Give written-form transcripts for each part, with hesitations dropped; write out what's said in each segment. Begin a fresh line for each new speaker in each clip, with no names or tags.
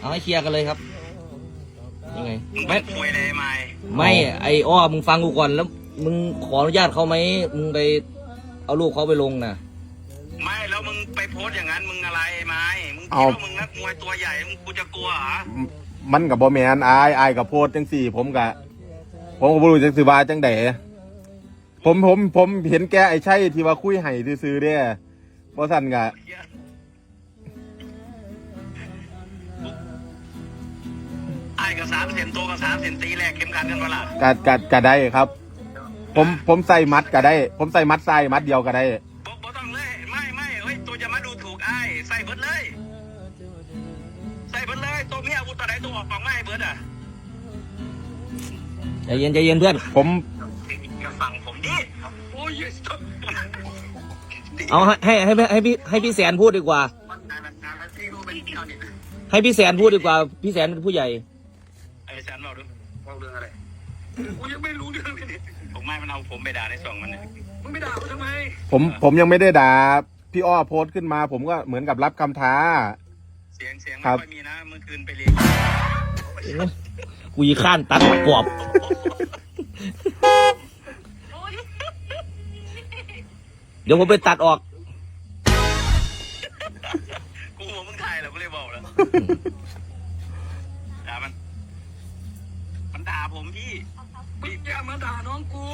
เอาให้เคลียร์กันเลยครับยังไง
ไม่เลย
ไม่ไอ้อ้อมึงฟังกูก่อนแล้วมึงขออนุญาตเขาไหมมึงไปเอารูปเขาไปลงนะ
ไม่แล้วมึงไปโพสอย่างนั้นมึงอะไรไม้มึงคิดว่ามึงนักมวยตัวใหญ่มึงกูจะกลัวเหรอ
มันกับบอแมนอายกับโพสจังสี่ผมก็บ่รู้จังสิว่าจังไดผมเห็นแกไอ้ใช่ที่ว่าคุยให้ซื้อๆเด้บ่สั่นกะ
ไอ้กับ3 เซนโตกับ3 เซนตีแรกเข้มขันกันเวล
ากะได้ครับผมใส่มัดก็ได้ผมใส่มัดใส่มัดเดียวก็ได้
บ่ต้องเลยไม่เฮ้ยตัวจะมาดูถูกไอ้ใส่เบิดเลยตัวมีอาวุธตัวไหนตัวออกฝั่งไม่เบิดอ่ะ
ใจเย็นเพื่อน
ผม
ฝั่งผมดิโอ้ย
เอาให้พี่แสนพูดดีกว่าให้พี่แสนพูดดีกว่าพี่แสนเป็นผู้ใหญ่
ไอ้แสนบอกเรื่องอะไรกูยังไม่รู้เรื่องเลยผมไม่มันเอาผมไปด่าใน2 มันเนี่ยมึงไปด่าทำไม
ผมยังไม่ได้ด่าพี่อ้อโพสขึ้นมาผมก็เหมือนกับรับคำท้า
เสียงไม่ค่อยมีนะเมื่อคืนไปเรียน
กูยีข้านตัดปอบเดี๋ยวผมไปตัดออก
กูหัวมึงถ่ายแล้วกูเลยบอกแล้วด่ามันด่าผมพี่อย่ามาด่าน้องกู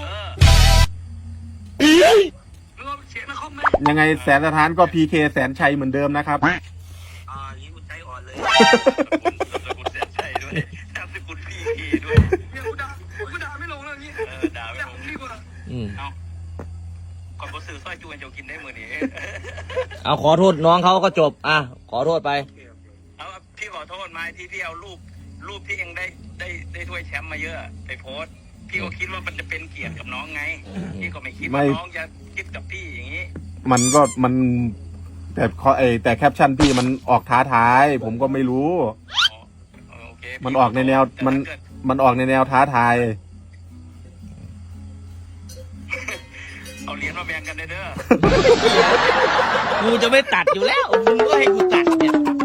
ยังไงแสนสถานก็พีเคแสนชัยเหมือนเดิมนะครับ
ยิ่งกูใจอ่อนเลยกูแสนชัยด้วยนามสกุลพีเคด้วยกูด่าไม่ลงแล้วอย่างนี้ด่าไม่ลงดีกว่าเอาก่อนบอสื่อสร้อยจูนจะกินได้มือนี้
เอาขอโทษน้องเขาก็จบขอโทษไป
เอาพี่ขอโทษมาที่พี่เอารูปที่เองได้ถ้วยแชมป์มาเยอะไปโพสพี่ก็คิดว่ามันจะเป็นเกียรติกับน้องไงพี่ก็ไม่คิดว่าน้องจะคิดกับพี่อย่างนี้
มันแต่แคปชั่นพี่มันออกท้าทายผมก็ไม่รู้มันออกในแนวมันออกในแนวท้าทาย
เอาเหรียญมาแบ่งกันเด้อ
กูจะไม่ตัดอยู่แล้วมึงก็ให้กูตัดเนี่ย